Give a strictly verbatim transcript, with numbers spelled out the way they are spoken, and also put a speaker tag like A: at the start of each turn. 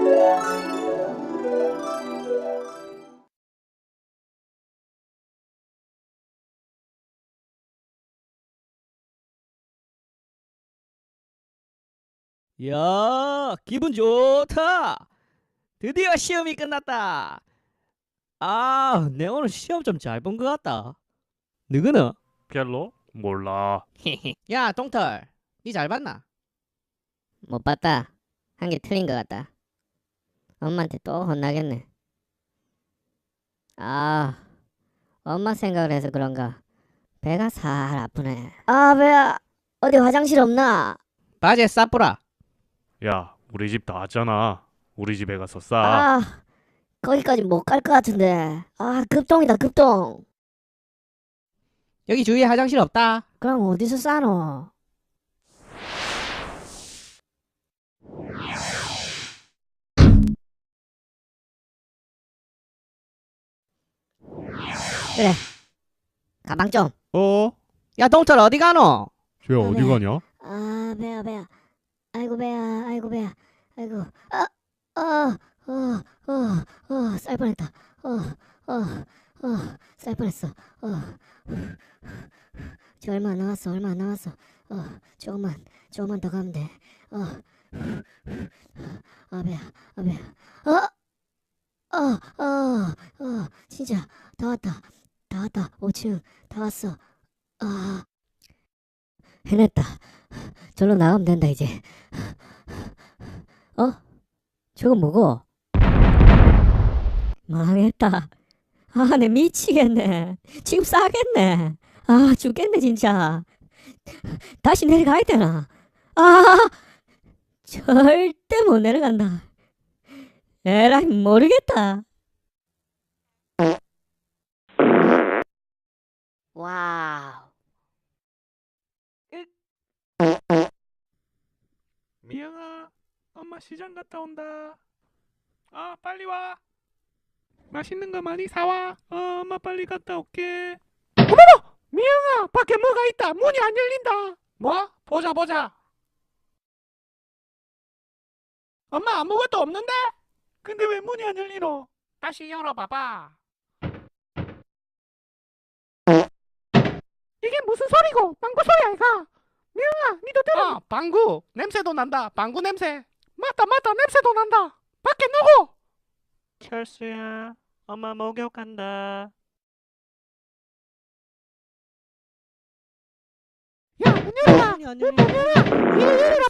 A: 야, 기분 좋다. 드디어 시험이 끝났다. 아, 내 오늘 시험 좀 잘 본 것 같다. 누구는?
B: 별로? 몰라.
A: 야, 동털, 니 잘 봤나?
C: 못 봤다. 한 개 틀린 것 같다. 엄마한테 또 혼나겠네. 아, 엄마 생각을 해서 그런가 배가 살 아프네. 아, 배야. 어디 화장실 없나?
A: 바지에 싸뿌라.
B: 야, 우리 집 나왔잖아. 우리 집에 가서 싸.
C: 아, 거기까지 못 갈 것 같은데. 아, 급동이다, 급동.
A: 여기 주위에 화장실 없다.
C: 그럼 어디서 싸노? 그래, 가방 좀.
B: 어?
A: 야, 동털 어디 가노?
B: 쟤 어디
C: 네.
B: 가냐?
C: 아, 배야, 배야. 아이고, 배야, 아이고, 배야. 아이고, 아, 아, 어, 어, 어, 쌀 뻔했다. 어, 어, 어, 쌀 뻔했어. 어, 저 얼마 안 남았어, 얼마 안 남았어. 어, 조금만, 조금만 더 가면 돼. 어, 아, 배야, 아, 배야. 어, 어, 어, 어, 진짜 다 왔다. 다 왔다. 오 층 다 왔어. 아, 해냈다. 절로 나가면 된다 이제. 어? 저거 뭐고? 망했다. 아, 내 미치겠네. 지금 싸겠네. 아, 죽겠네 진짜. 다시 내려가야 되나? 아, 절대 못 내려간다. 에라이, 모르겠다. 와우.
B: 미영아, 엄마 시장 갔다 온다. 아, 빨리 와. 맛있는 거 많이 사와. 어, 엄마 빨리 갔다 올게. 어머머! 미영아, 밖에 뭐가 있다. 문이 안 열린다. 뭐? 보자 보자. 엄마 아무것도 없는데? 근데 왜 문이 안 열리노? 다시 열어봐봐. 이게 무슨 소리고? 방구 소리 아이가? 미영아, 니도 들어. 아, 방구. 냄새도 난다. 방구 냄새. 맞다 맞다, 냄새도 난다. 밖에 누구? 철수야, 엄마 목욕 간다. 야, 문 열어라.
A: 문이 안
B: 문
A: 열려.
B: 열어라. 이리 열어라.